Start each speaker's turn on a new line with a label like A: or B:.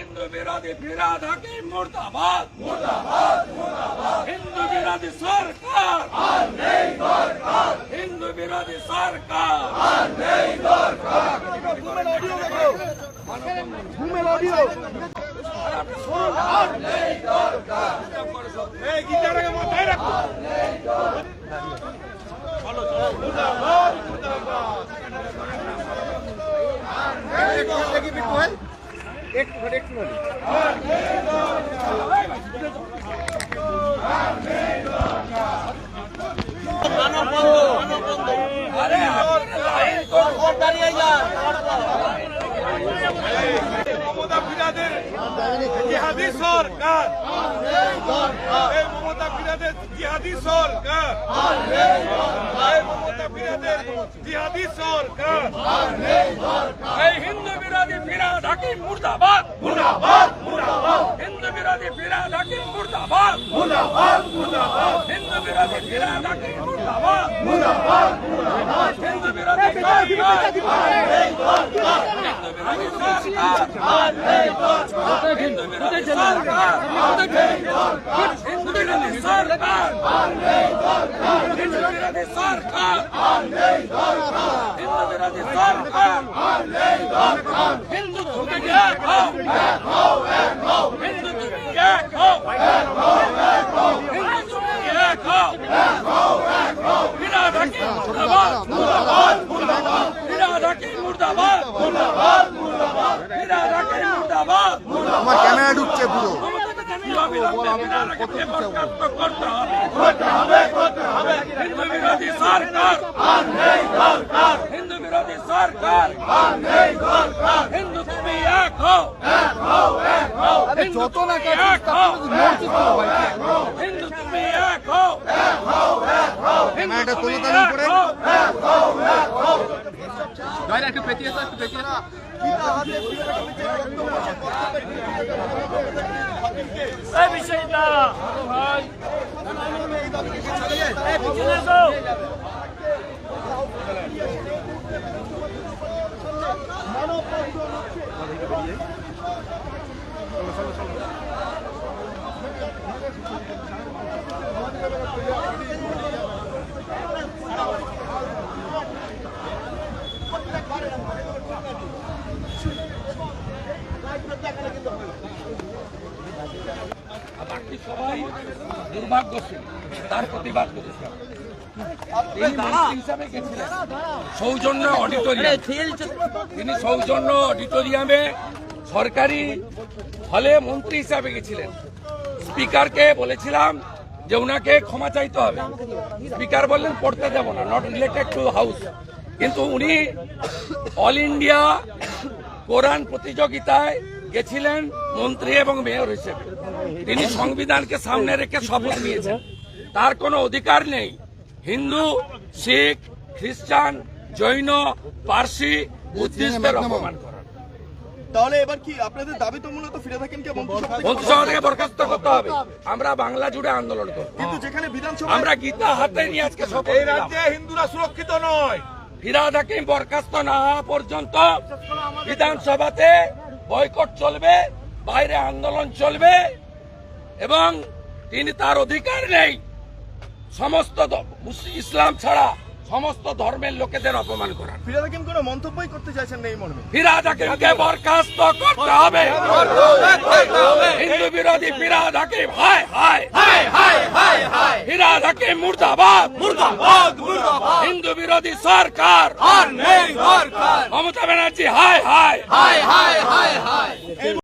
A: हिंदू विरोधी फिराद हकीम मुर्दाबाद हिंदू विरोधी सरकार हिंदू विरोधी सरकार
B: মমতা ফিরাদের জিহাদি সরকার এই মমতা ফিরাদের জিহাদি সরকার এই মমতা ফিরাদের জিহাদি সরকার
A: এই হিন্দু বিরোধী ফিরাদ হাকিম মুর্দাবাদ হিন্দু বিরোধী ফিরাদ হাকিম মুর্দাবাদ হিন্দু বিরোধী ফিরাদ হাকিম মুর্দাবাদ হিন্দু বিরোধী হিন্দু বিরোধী সরকার হিন্দু বিরোধী সরকার হিন্দু বিরোধী সরকার হিন্দু বিরোধী সরকার হিন্দু তুমি এক হও হিন্দু তুমি এক হও হিন্দু তুমি এক হও ফিরাদ হাকিম মুর্দাবাদ ফিরাদ হাকিম মুর্দাবাদ ফিরাদ হাকিম মুর্দাবাদ
C: আমার ক্যামেরা ঢুকছে পুরো
A: হিন্দু বিরোধী সরকার হিন্দু বিরোধী সরকার হিন্দু তুমি এক হও
C: যত না
A: হিন্দু তুমি এক হও
C: ক্যামেরাটা তোলো তার উপরে
A: বাকি সবাই দুর্ভাগ্যশীল তার প্রতিবাদ করেছে হিসাবে গেছিলেন সৌজন্য অডিটোরিয়াম তিনি সৌজন্য অডিটোরিয়ামে সরকারি হলে মন্ত্রী হিসাবে গেছিলেন স্পিকারকে বলেছিলাম যে উনাকে ক্ষমা চাইতে হবে স্পিকার বললেন পড়তে দেব না নট রিলেটেড টু হাউস কিন্তু উনি অল ইন্ডিয়া কোরআন প্রতিযোগিতায় গেছিলেন মন্ত্রী এবং মেয়র হিসেবে তিনি সংবিধানকে সামনে রেখে শপথ নিয়েছেন তার কোনো অধিকার নেই হিন্দু শিখ খ্রিস্টান জৈন পার্সি বুদ্ধিস্টদের অপমান করার
B: তাহলে এবার কি আপনাদের দাবি তো মূলত ফিরাদ হাকিমকে
A: মন্ত্রিসভা থেকে বরখাস্ত করতে হবে আমরা বাংলা জুড়ে আন্দোলন করব
B: কিন্তু যেখানে বিধানসভা
A: আমরা গীতা হাতে নিয়ে আজকে শপথ
B: এই রাজ্যে হিন্দুরা সুরক্ষিত নয়
A: ফিরাদ হাকিম বরখাস্ত না হওয়া পর্যন্ত বিধানসভাতে বয়কট চলবে বাইরে আন্দোলন চলবে এবং তিনি তার অধিকার নেই সমস্ত ইসলাম ছাড়া সমস্ত ধর্মের লোকেদের অপমান করার
B: ফিরাদ হাকিম কোনো মন্তব্যই করতে চাইছেন না এই মর্মে
A: ফিরাদ হাকিমকে বরখাস্ত করতে হবে হিন্দু বিরোধী ফিরাদ হাকিম হায় হায় ফিরাদ হাকিম মুর্দাবাদ হিন্দু বিরোধী সরকার মমতা ব্যানার্জি হায় হায়